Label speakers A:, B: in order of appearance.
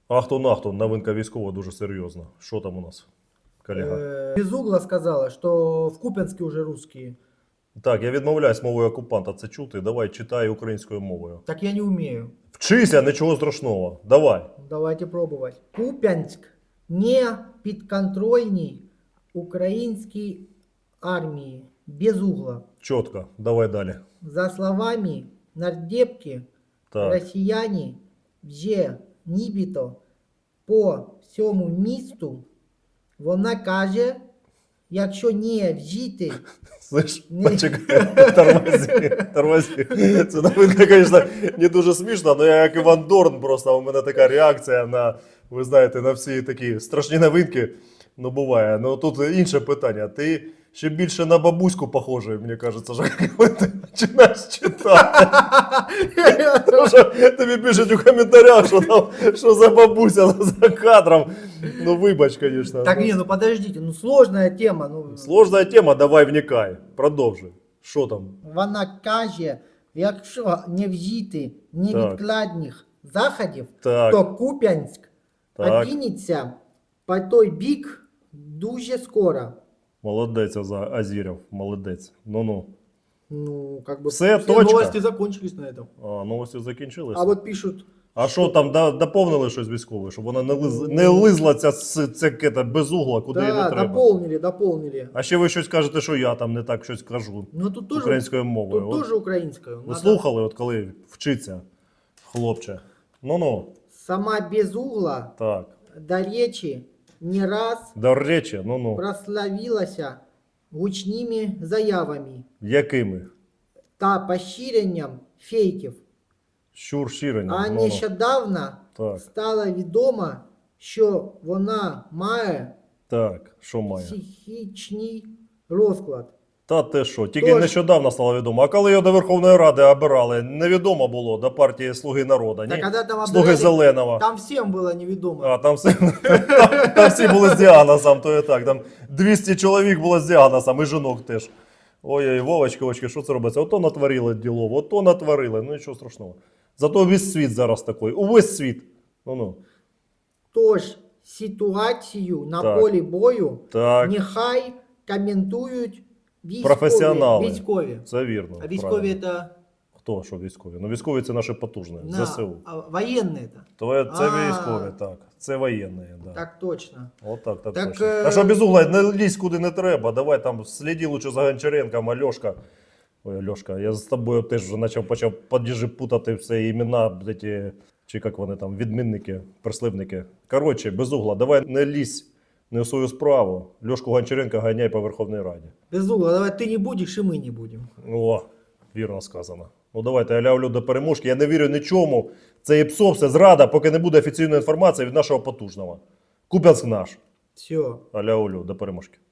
A: Ахтун-ахтун, новинка військова дуже серйозна. Що там у нас, колега?
B: Безугла сказала, что в Купянске уже русские.
A: Так, я відмовляюсь мовою окупанта це чути. Давай, читай українською мовою.
B: Так я не умею.
A: Вчися, нічого страшного. Давай.
B: Давайте пробовать. Купянск не підконтрольний українській армії. Безугла.
A: Чітко. Давай далі.
B: За словами нардепки,
A: Так.
B: росіяни вже нібито по всьому місту, вона каже, якщо не вжити...
A: Слышь,
B: Ні.
A: почекай, тормози. Це новинка, звісно, не дуже смішно, але я як Іван Дорн, просто у мене така реакція на, ви знаєте, на всі такі страшні новинки. Ну, буває. Ну, тут інше питання. Ти ще більше на бабуську похожий, мені кажеться, що коли ти починаєш читати. Тому що тобі пишуть у коментарях, що там, що за бабуся за кадром. Ну, вибач, звісно.
B: Так не, ну подождите, ну сложная тема. Ну,
A: Сложна тема, давай вникай. Продовжуй. Що там?
B: вона каже, якщо не вжити невідкладних заходів,
A: Так.
B: то Куп'янськ
A: Так.
B: опиниться по той бік дуже скоро.
A: Молодець, Азіров, молодець. Ну-ну.
B: Ну, как бы
A: Все,
B: все
A: точка.
B: новости закончились на этом.
A: А, новості закінчилися.
B: А вот пишут,
A: А що там, доповнили щось військове, щоб вона не лизла ця кета без угла, куди їй не
B: да,
A: треба?
B: дополнили.
A: А ще ви щось кажете, що я там не так щось кажу
B: Ну тут тоже,
A: українською мовою.
B: тут
A: От
B: тоже українською.
A: ви
B: Надо-
A: слухали, от коли вчиться, хлопче? Ну-ну,
B: Сама Безугла,
A: так.
B: до речі, не раз
A: До речі, ну-ну.
B: прославилася гучними заявами
A: Якими?
B: та поширенням фейків.
A: Щур щирення.
B: А
A: ну-ну.
B: нещодавно
A: Так,
B: стало відомо, що вона має
A: так, що має?
B: психічний розклад.
A: Та те що, тільки
B: Тож-
A: нещодавно стало відомо. А коли його до Верховної Ради обирали, невідомо було до партії Слуги народу,
B: Та
A: ні?
B: коли там
A: Слуги
B: обирали,
A: Зеленого.
B: там всім було невідомо.
A: А, там всі були з діагнозом, то і так. Там 200 чоловік було з діагнозом, і жінок теж. Ой-ой, Вовочки, що це робиться? Ото натворили ділово, ото натворили, ну нічого страшного. Зато весь світ зараз такий, увесь світ. Ну-ну.
B: Тож ситуацію на
A: Так.
B: полі бою
A: Так,
B: нехай коментують
A: професіонали.
B: військові.
A: Це вірно.
B: А військові
A: правильно.
B: це
A: Хто, що військові? Ну військові це наші потужні, ЗСУ.
B: воєнні це.
A: Це
B: А.
A: військові, так. Це воєнні, да.
B: Так точно.
A: Отак, так,
B: Так,
A: точно. А що без угла, не лізь куди не треба. Давай там сліди лучше за Гончаренком, Альошка. Ой, Альошка, я з тобою теж вже почав подіжі путати все імена, ці, чи як вони там, відмінники, прислівники. Коротше, без угла, давай не лізь не в свою справу. Льошку Гончаренка ганяй по Верховній Раді.
B: Безугла, давай ти не будеш і ми не будемо.
A: О, вірно сказано. Ну давайте, аля-алю до переможки. Я не вірю нічому. Це і псо, все зрада, поки не буде офіційної інформації від нашого потужного. Куп'янськ наш.
B: Все.
A: Аля-алю до переможки.